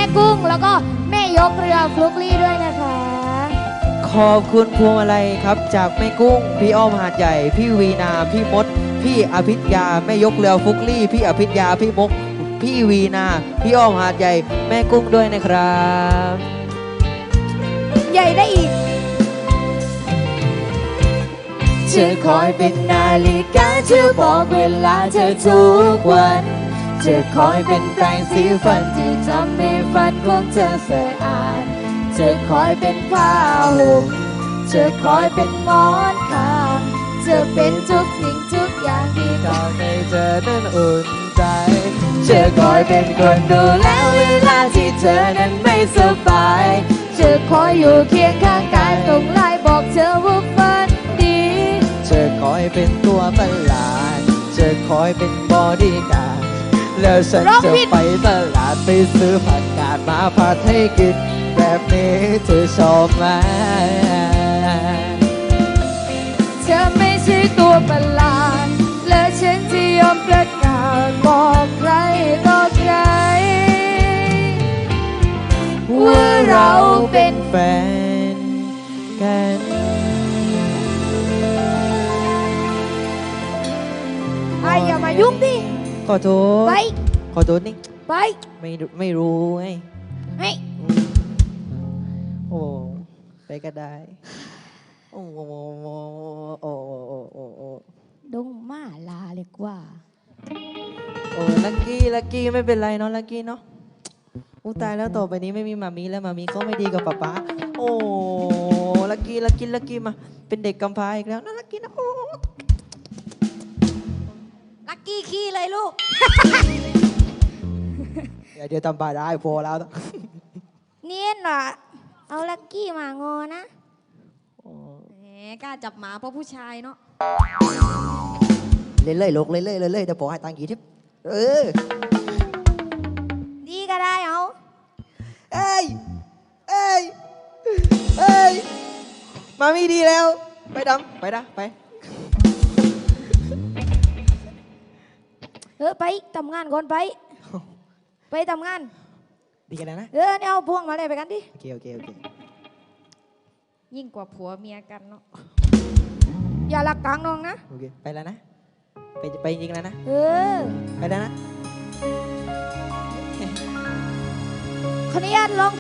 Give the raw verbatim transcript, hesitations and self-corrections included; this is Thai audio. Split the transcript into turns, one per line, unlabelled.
กุ้งแล้วก็แม่ยกเรือฟลุกลี่ด้วยนะคะ
ขอบคุณพวงมาลัยครับจากแม่กุ้งพี่อ้อมหาดใหญ่พี่วีนาพี่มดพี่อภิญญาแม่ยกเรือฟุกลี่พี่อภิญญาพี่มกพี่วีนาพี่อ้อมหาดใหญ่แม่กุ้งด้วยนะครับ
ใหญ่ได้อีก
เธอคอยเป็นนาฬิกาเธอบอกเวลาเธอทุกวันเธอคอยเป็นแปรงสีฟันที่ทำให้ฟันของเธอสะอาดเธอคอยเป็นผ้าห่มเธอคอยเป็นหมอนข้างเธอเป็นทุกสิ่งทุกอย่างที่ทำให้เธอนั้นอุ่นใจเธอคอยเป็นคนดูแลเวลาที่เธอนั้นไม่สบายเธอคอยอยู่เคียงข้างกายตรงไลน์บอกเธอว่าฝันดีเธอคอยเป็นตัวประหลาดเธอคอยเป็นบอดี้การ์ดแล้วฉันจะไปตลาดไปซื้อผักกาดมาผัดให้กินแบบนี้เธอชอบไหมเธอไม่ใช่ตัวประหลาดและฉันจะยอมประกาศบอกใครต่อใครว่าเราเป็น
แฟนกัน
ไอ้อย่ามายุ่งดิ
ขอโทษ
ไป
ขอโทษนี่
ไป
ไม่ไม่รู้ไง
เฮ้ย
โอ้ไปก็ได้โอ้โอ้โอ้โอ้โอ้โอ้โอ้
ดงมาลาเลยกว่า
โอ้ลักกี้ลักกี้ไม่เป็นไรเนาะลักกี้เนาะอู้ตายแล้วต่อไปนี้ไม่มีมามีแล้วมามีก็ไม่ดีกับป๊าป๊าโอ้ลักกี้ลักกี้ลักกี้มาเป็นเด็กกำพร้าอีกแล้วนะลักกี้นะโอ้
ลักกี้ขี้เลยลูก
เดี๋ยวเดี๋ยวทำบาได้พอแล้ว
เนียนเหรอเอาลักกี้มางอนะแหมกล้าจับหมาเพราะผู้ชายเนาะ
เล่นเลยลูกเล่นเลยเล่นเลยเดี๋ยวพอให้ตังค์กี่ทิปเออ
ดีก็ได้เอา
เอ้ยเอ้ยเอ้ยมามีดีแล้วไปดำไปนะไป
เออไปทำงานก่อนไปไปทำงาน
ดีกันนะ
เออเนี่ยเอาพวงมาเลยไปกันดิ
โอเคโอเคโอเค
ยิ่งกว่าผัวเมียกันเนาะอย่าหลักกลางน้องนะ
โอเคไปแล้วนะไปไปจริงแล้วนะ
เออ
ไปแล้วนะ
ขออนุญาตลอง